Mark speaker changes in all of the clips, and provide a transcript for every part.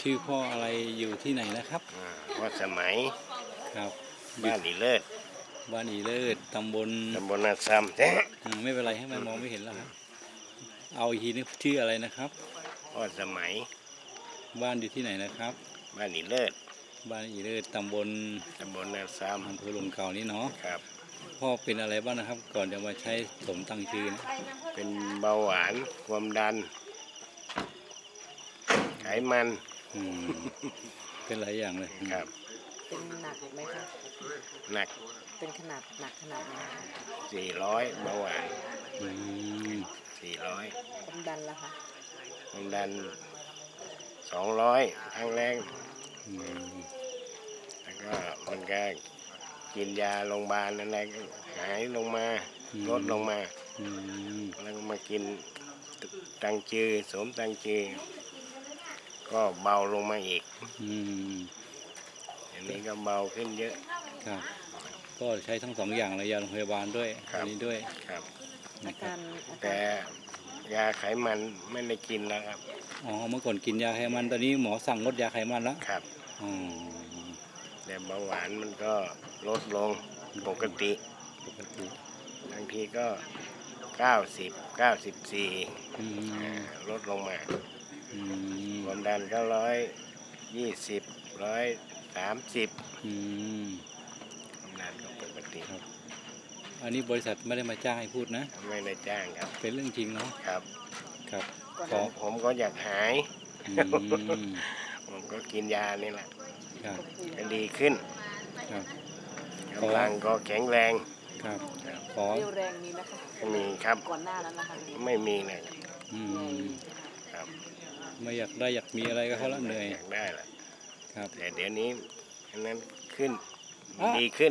Speaker 1: ชื่อพ่ออะไรอยู่ที่ไหนนะครับ
Speaker 2: พ่อสมัย
Speaker 1: ครับ
Speaker 2: บ้านอีเลิศ
Speaker 1: บ้านอีเลิศตำบล
Speaker 2: นาซ้ำ
Speaker 1: ไม่เป็นไรให้มันมองไม่เห็นแล้วครับเอาอีกทีนึงชื่ออะไรนะครับ
Speaker 2: พ่อสมัย
Speaker 1: บ้านอยู่ที่ไหนนะครับ
Speaker 2: บ้านอีเลิศ
Speaker 1: บ้านอีเลิศตำบล
Speaker 2: นาซ้ำ
Speaker 1: อำเภอลมเก่านี่เนาะ
Speaker 2: ครับ
Speaker 1: พ่อเป็นอะไรบ้างนะครับก่อนจะมาใช้สมตั้งชื่อนะ
Speaker 2: เป็นเบาหวานความดันไขมัน
Speaker 1: เป็นหลายอย่างเลย
Speaker 2: ครับ
Speaker 3: เป็นหนักไหมคะ
Speaker 2: หนัก
Speaker 3: เป็นขนาดหนักขนาดไหน
Speaker 2: 400เบาหวาน400
Speaker 3: ความดันล่ะคะ
Speaker 2: ความดัน200ครั้งแรกแล้วก็มันก็กินยาโรงพยาบาลอะไรก็หายลงมาลดลงมาแล้วมากินตังจือสมตังจือก็เบาลงมาอีกอันนี้ก็เบาขึ้นเยอะ
Speaker 1: ครับก็ใช้ทั้งสองอย่างเลยยาโรงพยาบาลด้วยอันนี้ด้วย
Speaker 2: ครับ
Speaker 3: นะครับ
Speaker 2: แต่ยาไขมันไม่ได้กินแล้วครับ
Speaker 1: อ๋อเมื่อก่อนกินยาไขมันตอนนี้หมอสั่งลดยาไขมันแล้ว
Speaker 2: ครับแต่เบาหวานมันก็ลดลงปกติบางทีก็90 94ลดลงมาความดันก็120 130ความดันก็ปกติ
Speaker 1: ครับอันนี้บริษัทไม่ได้มาจ้างให้พูดนะ
Speaker 2: ไม่ได้จ้างครับ
Speaker 1: เป็นเรื่องจริงเนาะ
Speaker 2: ครับ
Speaker 1: ครับ
Speaker 2: ผมก็อยากหายผมก็กินยานี่แหละก็ดีขึ้นกำลังก็แข็งแรง
Speaker 1: ครับ
Speaker 3: เรี่ยวแรงมีไหมคะ
Speaker 2: มีครับ
Speaker 3: ก่อนหน้านั้นนะคะ
Speaker 2: ไม่มีเลย
Speaker 1: ครับไม่อยากได้อยากมีอะไรก็เขาละเหนื่อย
Speaker 2: อยากได้แหละ
Speaker 1: ครับ
Speaker 2: แต่เดี๋ยวนี้อันนั้นขึ้นดีขึ้น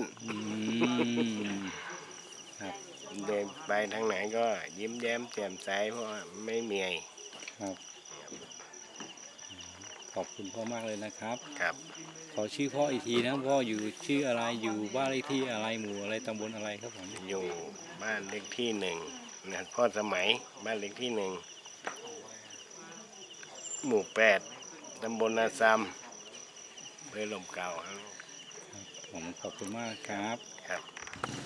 Speaker 1: ครับ
Speaker 2: เดินไปทางไหนก็ยิ้มแย้มแจ่มใสเพราะไม่เหนื่อย
Speaker 1: ครับขอบคุณพ่อมากเลยนะครับ
Speaker 2: ครับ
Speaker 1: ขอชื่อพ่ออีกทีนะพ่ออยู่ชื่ออะไรอยู่บ้านเลขที่อะไรหมู่อะไรตำบลอะไรครับผม
Speaker 2: อยู่บ้านเลขที่1นะพ่อสมัยบ้านเลขที่1หมู่8ตำบลนาซ้ำอำเภอลมเก่า
Speaker 1: ผมขอบคุณมากครับ
Speaker 2: ครับ